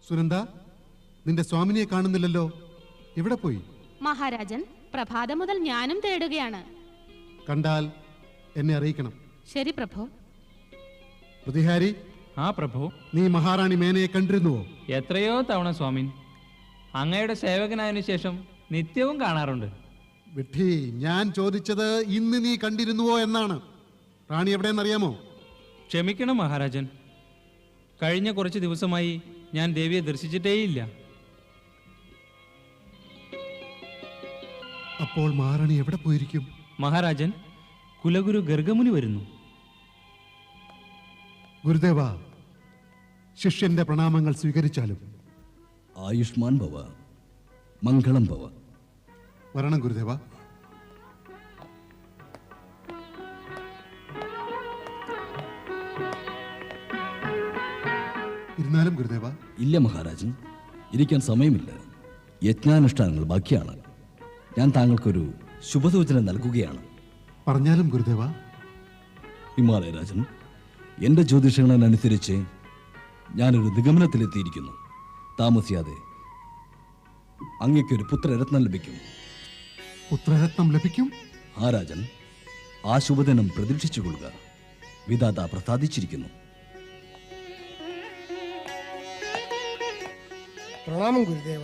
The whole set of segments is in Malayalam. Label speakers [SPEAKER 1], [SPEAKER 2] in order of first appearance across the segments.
[SPEAKER 1] സുനന്ദ, നിന്റെ സ്വാമിനിയെ കാണുന്നില്ലല്ലോ, എവിടെ പോയി?
[SPEAKER 2] മഹാരാജൻ, പ്രഭാതം മുതൽ ഞാനും തേടുകയാണ്.
[SPEAKER 1] കണ്ടാൽ എന്നെ അറിയിക്കണം.
[SPEAKER 2] ശരി പ്രഭു.
[SPEAKER 1] പ്രതിഹാരി.
[SPEAKER 3] ആ പ്രഭു.
[SPEAKER 1] നീ മഹാറാണി മേനയെ കണ്ടിരുന്നുവോ?
[SPEAKER 3] എത്രയോ തവണ സ്വാമിൻ. അങ്ങയുടെ സേവകനായതിനു ശേഷം നിത്യവും കാണാറുണ്ട്.
[SPEAKER 1] വിഡ്ഢി, ഞാൻ ചോദിച്ചത് ഇന്ന് നീ കണ്ടിരുന്നുവോ എന്നാണ്. റാണി എവിടെയെന്നറിയാമോ?
[SPEAKER 3] ക്ഷമിക്കണം മഹാരാജൻ, കഴിഞ്ഞ കുറച്ച് ദിവസമായി ഞാൻ ദേവിയെ ദർശിച്ചിട്ടേയില്ല.
[SPEAKER 1] അപ്പോൾ മഹാറാണി എവിടെ പോയിരിക്കും?
[SPEAKER 3] മഹാരാജൻ, കുലഗുരു ഗർഗമുനി വരുന്നു.
[SPEAKER 1] ഗുരുദേവ, ശിഷ്യന്റെ പ്രണാമങ്ങൾ സ്വീകരിച്ചാലും.
[SPEAKER 4] ആയുഷ്മാൻ ഭവ, മംഗളം ഭവ.
[SPEAKER 1] വരണം ഗുരുദേവ. ഇരുന്നാലും ഗുരുദേവ.
[SPEAKER 4] ഇല്ല മഹാരാജൻ, ഇരിക്കാൻ സമയമില്ല. യജ്ഞാനുഷ്ഠാനങ്ങൾ ബാക്കിയാണ്. ഞാൻ താങ്കൾക്കൊരു ശുഭസൂചന നൽകുകയാണ്.
[SPEAKER 1] പറഞ്ഞാലും ഗുരുദേവ.
[SPEAKER 4] ഹിമാലയ രാജൻ, എൻ്റെ ജ്യോതിഷങ്ങളനുസരിച്ച് ഞാനൊരു നിഗമനത്തിലെത്തിയിരിക്കുന്നു. താമസിയാതെ അങ്ങയ്ക്കൊരു പുത്രരത്നം ലഭിക്കും.
[SPEAKER 1] പുത്രരത്നം ലഭിക്കും?
[SPEAKER 4] ആ രാജൻ, ആ ശുഭദിനം പ്രതീക്ഷിച്ചുകൊള്ളുക. വിധാത പ്രസാദിച്ചിരിക്കുന്നു.
[SPEAKER 5] പ്രണാമം ഗുരുദേവ.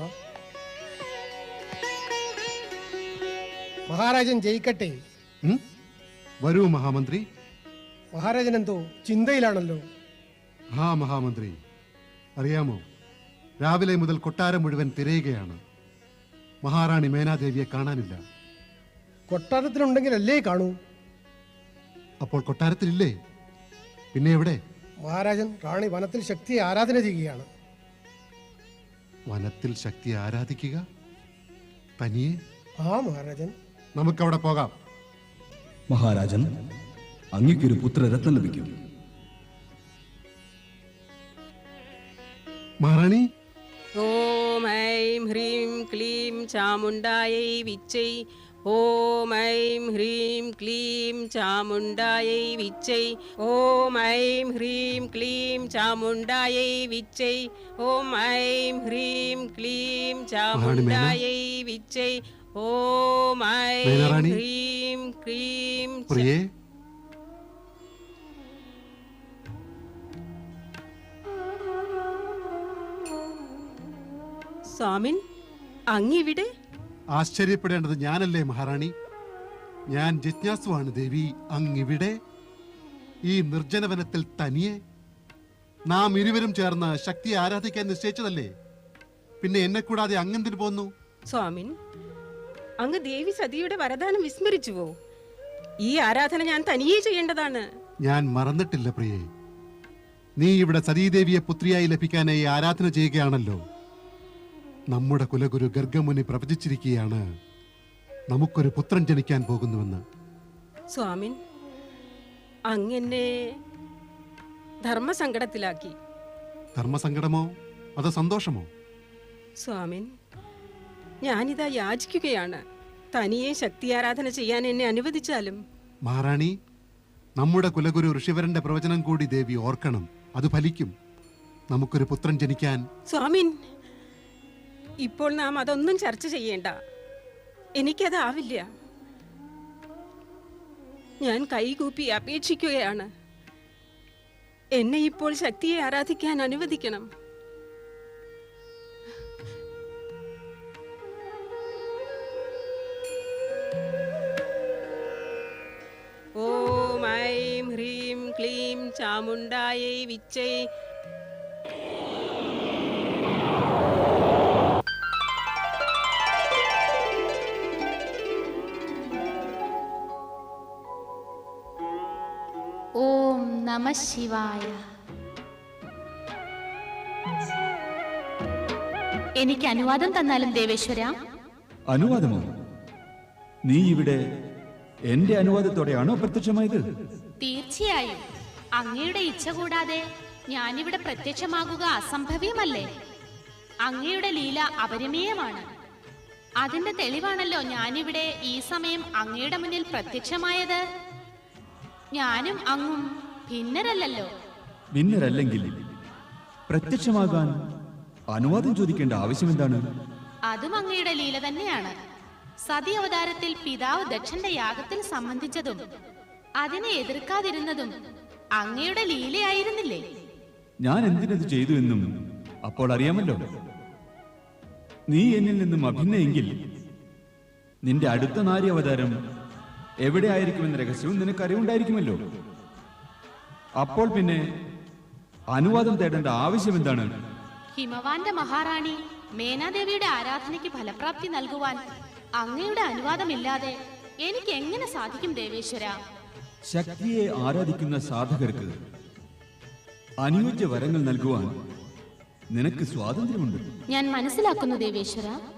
[SPEAKER 5] മഹാരാജൻ ജയിക്കട്ടെ.
[SPEAKER 1] വരൂ മഹാമന്ത്രി.
[SPEAKER 5] മഹാരാജൻ എന്തോ ചിന്തയിലാണല്ലോ.
[SPEAKER 1] ആ മഹാമന്ത്രി, അറിയാമോ, രാവിലെ മുതൽ കൊട്ടാരം മുഴുവൻ തിരയുകയാണ്. മഹാറാണി മേനാദേവിയെ കാണാനില്ല.
[SPEAKER 5] കൊട്ടാരത്തിലുണ്ടെങ്കിലല്ലേ കാണൂ.
[SPEAKER 1] അപ്പോൾ കൊട്ടാരത്തിലില്ലേ? പിന്നെ എവിടെ?
[SPEAKER 5] മഹാരാജൻ, റാണി വനത്തിൽ ശക്തിയെ ആരാധന ചെയ്യുകയാണ്.
[SPEAKER 1] വനത്തിൽ ശക്തിയെ ആരാധിക്കുക? തനിയെ?
[SPEAKER 5] ആ മഹാരാജൻ.
[SPEAKER 1] നമുക്കവിടെ പോകാം.
[SPEAKER 4] മഹാരാജൻ, അങ്ങയ്ക്കൊരു പുത്രരത്നം ലഭിക്കും.
[SPEAKER 1] മഹാറാണി.
[SPEAKER 6] ഓം ഐം ഹ്രീം ക്ലീം ചാമുണ്ടായൈ വിച്ചൈ. ഓം ഐം ഹ്രീം ക്ലീം ചാമുണ്ടായൈ വിച്ചൈ. ഓം ഐം ഹ്രീം ക്ലീം ചാമുണ്ടായൈ വിച്ചൈ. ഓം ഐം ഹ്രീം ക്ലീം ചാമുണ്ടായൈ വിച്ചൈ. ഓം ഐം ഹ്രീം ക്ലീം.
[SPEAKER 1] പ്രിയേ,
[SPEAKER 6] സ്വാമിൻ, അങ്ങിവിടെ?
[SPEAKER 1] ആശ്ചര്യപ്പെടേണ്ടത് ഞാനല്ലേ മഹാറാണി? ഞാൻ ജിജ്ഞാസുവാണ് ദേവി. അങ്ങിവിടെ ഈ നിർജ്ജനവനത്തിൽ തനിയെ? നാം ഇരുവരും ചേർന്ന് ശക്തിയെ ആരാധിക്കാൻ നിശ്ചയിച്ചതല്ലേ? പിന്നെ എന്നെ കൂടാതെ അങ്ങെന്തിനു പോന്നു?
[SPEAKER 6] സ്വാമിൻ, അങ്ങ് ദേവി സതിയുടെ വരദാനം വിസ്മരിച്ചുവോ? ഈ ആരാധന ഞാൻ തനിയെ ചെയ്യേണ്ടതാണ്.
[SPEAKER 1] ഞാൻ മറന്നിട്ടില്ല പ്രിയേ. നീ ഇവിടെ സതീദേവിയെ പുത്രിയായി ലഭിക്കാനായി ആരാധന ചെയ്യുകയാണല്ലോ. നമ്മുടെ കുലഗുരു ഗർഗമുനി പ്രവചിച്ചിരിക്കുകയാണ് നമുക്കൊരു പുത്രൻ ജനിക്കാൻ പോകുന്നുവെന്ന്.
[SPEAKER 6] സ്വാമിൻ, അങ്ങെന്നെ ധർമ്മസങ്കടത്തിലാക്കി.
[SPEAKER 1] ധർമ്മസങ്കടമോ അതോ സന്തോഷമോ?
[SPEAKER 6] സ്വാമിൻ, ഞാനിതാ യാചിക്കുകയാണ്. തനിയെ ശക്തി ആരാധന ചെയ്യാൻ എന്നെ അനുവദിച്ചാലും.
[SPEAKER 1] മഹാറാണി, നമ്മുടെ കുലഗുരു ഋഷിവരന്റെ പ്രവചനം കൂടി ദേവി ഓർക്കണം. അത് ഫലിക്കും. നമുക്കൊരു പുത്രൻ ജനിക്കാൻ.
[SPEAKER 6] സ്വാമിൻ, ഇപ്പോൾ നാം അതൊന്നും ചർച്ച ചെയ്യേണ്ട. എനിക്കതാവില്ല. ഞാൻ കൈകൂപ്പി അപേക്ഷിക്കുകയാണ്. എന്നെ ഇപ്പോൾ ശക്തിയെ ആരാധിക്കാൻ അനുവദിക്കണം. ഓം ഐം ഹ്രീം ക്ലീം ചാമുണ്ടായൈ വിച്ചൈ.
[SPEAKER 2] ഓം നമഃ ശിവായ. എനിക്ക് അനുവാദം തന്നാലും ദേവേശ്വര.
[SPEAKER 7] അനുവാദമോ? നീ ഇവിടെ എന്റെ അനുവാദത്തോടെയാണോ പ്രത്യക്ഷമായത്?
[SPEAKER 2] തീർച്ചയായും. അങ്ങയുടെ ഇച്ഛ കൂടാതെ ഞാനിവിടെ പ്രത്യക്ഷമാകുക അസംഭവ്യമല്ലേ? അങ്ങയുടെ ലീല അപരിമേയമാണ്. അതിന്റെ തെളിവാണല്ലോ ഞാനിവിടെ ഈ സമയം അങ്ങയുടെ മുന്നിൽ പ്രത്യക്ഷമായത്. ഞാനും അങ്ങും ഭിന്നരല്ലല്ലോ.
[SPEAKER 7] ഭിന്നരല്ലെങ്കിൽ പ്രത്യക്ഷമാകാൻ അനുവാദം ചോദിക്കേണ്ട ആവശ്യം എന്താണ്?
[SPEAKER 2] അതും അങ്ങയുടെ ലീല തന്നെയാണ്. സതി അവതാരത്തിൽ പിതാവ് ദക്ഷന്റെ യാഗത്തിൽ സംബന്ധിച്ചതും അതിനെ എതിർക്കാതിരുന്നതും അങ്ങയുടെ ലീലയായിരുന്നില്ലേ?
[SPEAKER 7] ഞാൻ എന്തിനത് ചെയ്തു എന്നും അപ്പോൾ അറിയാമല്ലോ. നീ എന്നിൽ നിന്നും അഭിന്നയെങ്കിൽ നിന്റെ അടുത്ത നാരി അവതാരം എവിടെ ആയിരിക്കുമെന്ന രഹസ്യവും നിനക്കറിവുണ്ടായിരിക്കുമല്ലോ. അപ്പോൾ പിന്നെ അനുവാദം തേടേണ്ട ആവശ്യം എന്താണ്?
[SPEAKER 2] ഹിമവാന്റെ മഹാറാണി മേനാദേവിയുടെ ആരാധനയ്ക്ക് ഫലപ്രാപ്തി നൽകുവാൻ അങ്ങയുടെ അനുവാദമില്ലാതെ എനിക്ക് എങ്ങനെ സാധിക്കും ദേവേശ്വര?
[SPEAKER 7] ശക്തിയെ ആരാധിക്കുന്ന സാധകർക്ക് അനുയോജ്യ വരങ്ങൾ നൽകുവാൻ നിനക്ക് സ്വാതന്ത്ര്യമുണ്ട്.
[SPEAKER 2] ഞാൻ മനസ്സിലാക്കുന്നു ദേവേശ്വര.